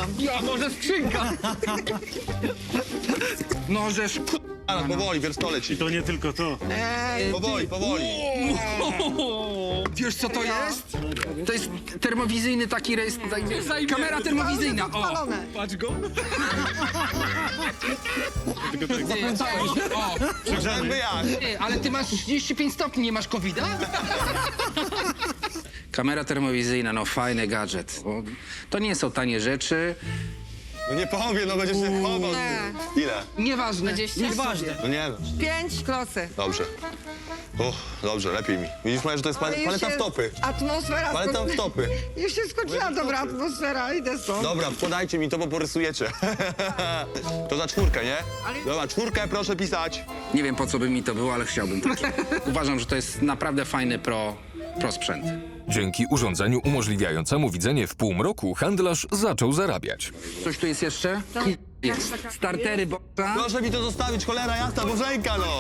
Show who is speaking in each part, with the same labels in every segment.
Speaker 1: mam.
Speaker 2: Ja, może skrzynka.
Speaker 3: Możesz...
Speaker 4: Ale powoli, wierstole ci.
Speaker 5: To nie tylko to.
Speaker 4: Powoli, powoli.
Speaker 3: Wiesz co to jest? To jest termowizyjny taki rejestr. Kamera termowizyjna. O,
Speaker 2: Patrz go.
Speaker 3: o.
Speaker 4: Zęby jak?
Speaker 3: Ty, ale ty masz 35 stopni, nie masz COVID-a? Kamera termowizyjna, no fajny gadżet. Bo to nie są tanie rzeczy.
Speaker 4: No nie powiem, no będziesz się chował. Ile?
Speaker 3: Nieważne.
Speaker 2: Nieważne.
Speaker 4: No nie no.
Speaker 1: 5 klosy.
Speaker 4: Dobrze. Dobrze, lepiej mi. Widzisz, Maja, że to jest
Speaker 1: Ale już
Speaker 4: paleta
Speaker 1: się-
Speaker 4: w topy.
Speaker 1: Atmosfera.
Speaker 4: Paleta w topy.
Speaker 1: Już się skończyła dobra atmosfera, idę stąd.
Speaker 4: Dobra, podajcie mi to, bo porysujecie. To za 4, nie? Dobra, 4 proszę pisać.
Speaker 3: Nie wiem po co by mi to było, ale chciałbym taki. Uważam, że to jest naprawdę fajny pro sprzęt.
Speaker 6: Dzięki urządzeniu umożliwiającemu widzenie w półmroku handlarz zaczął zarabiać.
Speaker 3: Coś tu jest jeszcze? Jest. Startery boxa.
Speaker 4: Proszę mi to zostawić, cholera jasna, bożenka, no.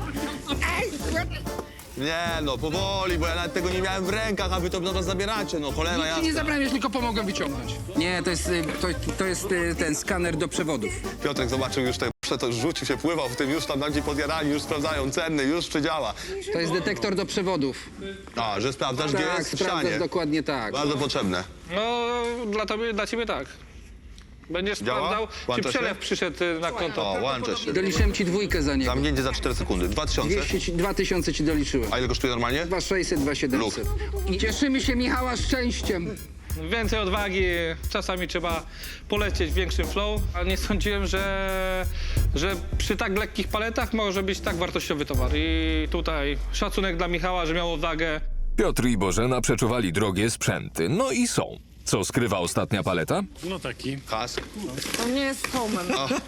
Speaker 4: Nie no, powoli, bo ja nawet tego nie miałem w rękach, a wy to nas zabieracie, no cholera
Speaker 3: Nic ci nie
Speaker 4: jasna.
Speaker 3: zabrałem, już tylko pomogłem wyciągnąć. Nie, to jest ten skaner do przewodów.
Speaker 4: Piotrek zobaczył już te to rzucił się, pływał w tym, już tam ci podjarali, już sprawdzają ceny, już czy działa.
Speaker 3: To jest detektor do przewodów.
Speaker 4: A, że sprawdzasz, gdzie
Speaker 3: Tak,
Speaker 4: jest w
Speaker 3: sprawdzasz
Speaker 4: ścianie.
Speaker 3: dokładnie tak.
Speaker 4: Bardzo potrzebne.
Speaker 2: No, dla ciebie tak. Będziesz
Speaker 4: Działa?
Speaker 2: sprawdzał, czy
Speaker 4: Włącza się?
Speaker 2: przelew przyszedł na konto.
Speaker 4: O, łączę się.
Speaker 3: Doliczyłem ci 2 za niego.
Speaker 4: Zamknięcie za 4 sekundy. 2000.
Speaker 3: 2000 ci doliczyłem.
Speaker 4: A ile kosztuje normalnie?
Speaker 3: 2600, 2700. I cieszymy się Michała szczęściem.
Speaker 2: Więcej odwagi, czasami trzeba polecieć w większym flow, a nie sądziłem, że przy tak lekkich paletach może być tak wartościowy towar. I tutaj szacunek dla Michała, że miał odwagę.
Speaker 6: Piotr i Bożena przeczuwali drogie sprzęty. No i są. Co skrywa ostatnia paleta?
Speaker 5: No taki.
Speaker 4: Kask.
Speaker 1: To nie jest homem.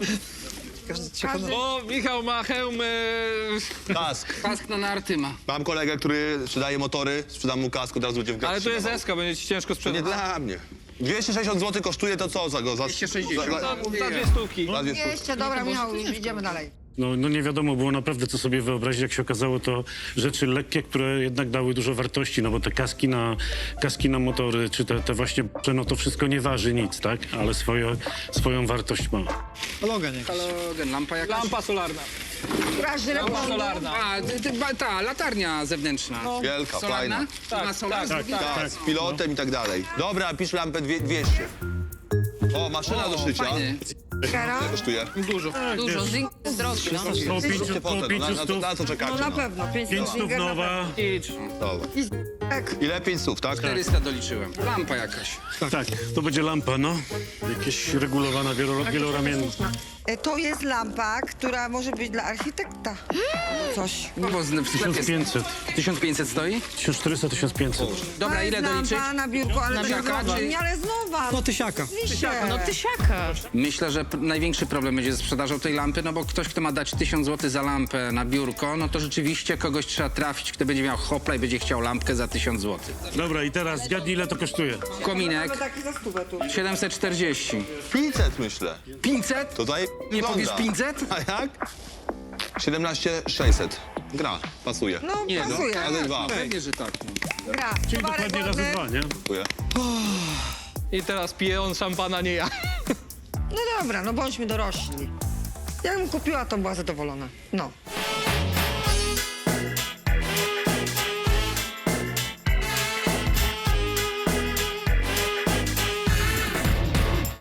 Speaker 2: O, Michał ma hełm.
Speaker 4: Kask.
Speaker 3: Kask na narty ma.
Speaker 4: Mam kolegę, który sprzedaje motory, sprzedam mu kask, od razu będzie w grach
Speaker 2: Ale to jest
Speaker 4: trzymał.
Speaker 2: eska, będzie ci ciężko
Speaker 4: To nie
Speaker 2: sprzedać.
Speaker 4: dla mnie. 260 zł kosztuje to co za go? Za
Speaker 3: 260.
Speaker 4: za
Speaker 2: 2 stówki.
Speaker 1: 200, dobra, Michał, idziemy dalej.
Speaker 5: No nie wiadomo było naprawdę, co sobie wyobrazić. Jak się okazało, to rzeczy lekkie, które jednak dały dużo wartości, no bo te kaski na motory, czy te właśnie, no to wszystko nie waży nic, tak? Ale swoją wartość ma.
Speaker 3: Halogen, lampa jakaś?
Speaker 2: Lampa solarna.
Speaker 1: Która żre
Speaker 2: Lampa solarna.
Speaker 3: A, ta latarnia zewnętrzna.
Speaker 4: Wielka,
Speaker 3: Solarna?
Speaker 4: fajna.
Speaker 3: To ma solar?
Speaker 4: Tak, z pilotem i tak dalej. Dobra, pisz lampę 200. O, maszyna do szycia.
Speaker 3: Fajny.
Speaker 4: Ile kosztuje?
Speaker 3: Dużo.
Speaker 1: Dużo, zink jest droższy.
Speaker 5: Koło
Speaker 4: Zróbcie potem,
Speaker 5: 500
Speaker 4: na co czekacie?
Speaker 1: No na pewno,
Speaker 5: 500
Speaker 1: 500
Speaker 5: nowa.
Speaker 2: Idź.
Speaker 4: Dobra.
Speaker 1: Tak.
Speaker 4: Ile? 500, tak?
Speaker 3: 400 doliczyłem. Lampa jakaś.
Speaker 5: Tak, to będzie lampa, no. Jakieś regulowana, wieloramienna.
Speaker 1: To jest lampa, która może być dla architekta. Coś.
Speaker 3: No bo w sklepie
Speaker 5: 1500.
Speaker 3: 1500 stoi?
Speaker 5: 1400, 1500.
Speaker 3: Dobra,
Speaker 1: To
Speaker 3: ile
Speaker 1: jest
Speaker 3: doliczyć?
Speaker 1: lampa na biurko, ale
Speaker 3: Na
Speaker 1: to
Speaker 3: biurka,
Speaker 1: jest nowa.
Speaker 3: czy-
Speaker 1: Nie, ale jest nowa.
Speaker 7: No tysiaka.
Speaker 1: No
Speaker 8: Tysiaka.
Speaker 3: Myślę, że największy problem będzie ze sprzedażą tej lampy, no bo ktoś, kto ma dać 1000 zł za lampę na biurko, no to rzeczywiście kogoś trzeba trafić, kto będzie miał hopla i będzie chciał lampkę za 1000 zł.
Speaker 5: Dobra, i teraz zgadnij, ile to kosztuje.
Speaker 3: Kominek
Speaker 1: Taki za stówę tu.
Speaker 3: 740.
Speaker 4: 500 myślę.
Speaker 3: 500?
Speaker 4: To daje.
Speaker 3: Nie powiesz 500?
Speaker 4: A jak? 17600. Gra, pasuje.
Speaker 1: No,
Speaker 3: Nie, no.
Speaker 1: pasuje.
Speaker 4: Razy 2.
Speaker 3: Pewnie, że tak. No.
Speaker 1: Gra.
Speaker 5: Czyli
Speaker 1: Towarek
Speaker 5: dokładnie razy
Speaker 1: ładny.
Speaker 5: 2, nie?
Speaker 4: Dziękuję.
Speaker 2: I teraz pije on szampana, nie ja.
Speaker 1: No dobra, no bądźmy dorośli. Ja bym kupiła, to była zadowolona. No.